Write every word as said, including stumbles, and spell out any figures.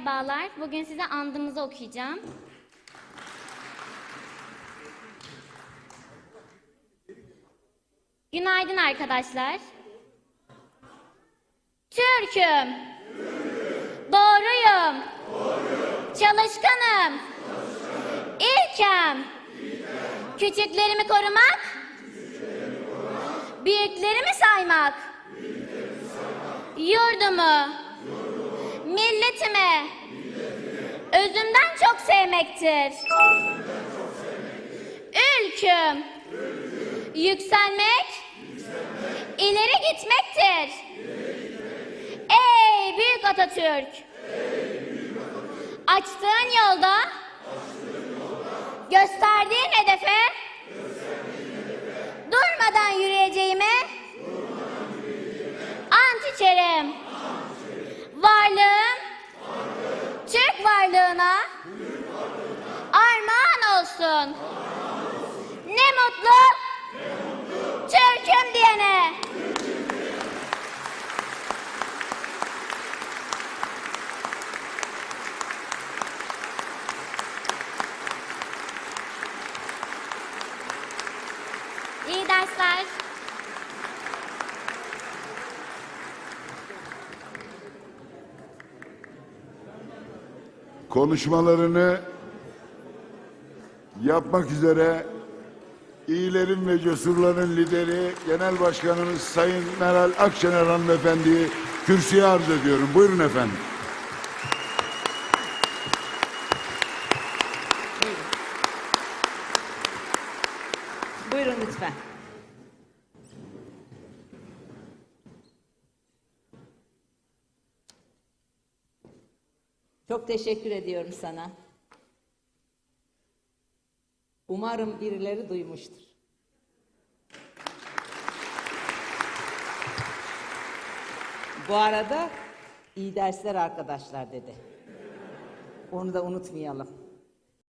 merhabalar. Bugün size andımızı okuyacağım. Günaydın arkadaşlar. Türk'üm. Doğruyum. Çalışkanım. İlkem. Küçüklerimi korumak. Büyüklerimi saymak. Yurdumu. Milletimi. Özümden çok sevmektir. Ülküm. Yükselmek. İleri gitmektir. Ey büyük Atatürk. Açtığın yolda, gösterdiğin hedefe, durmadan yürüyeceğime ant içerim. Varlığım, Türk varlığına armağan olsun. Ne mutlu Türk'üm diyene. İyi dersler. Konuşmalarını yapmak üzere iyilerin ve cesurların lideri Genel Başkanımız Sayın Meral Akşener Hanımefendi'yi kürsüye arz ediyorum. Buyurun efendim. Buyurun lütfen. Çok teşekkür ediyorum sana. Umarım birileri duymuştur. Bu arada iyi dersler arkadaşlar dedi. Onu da unutmayalım.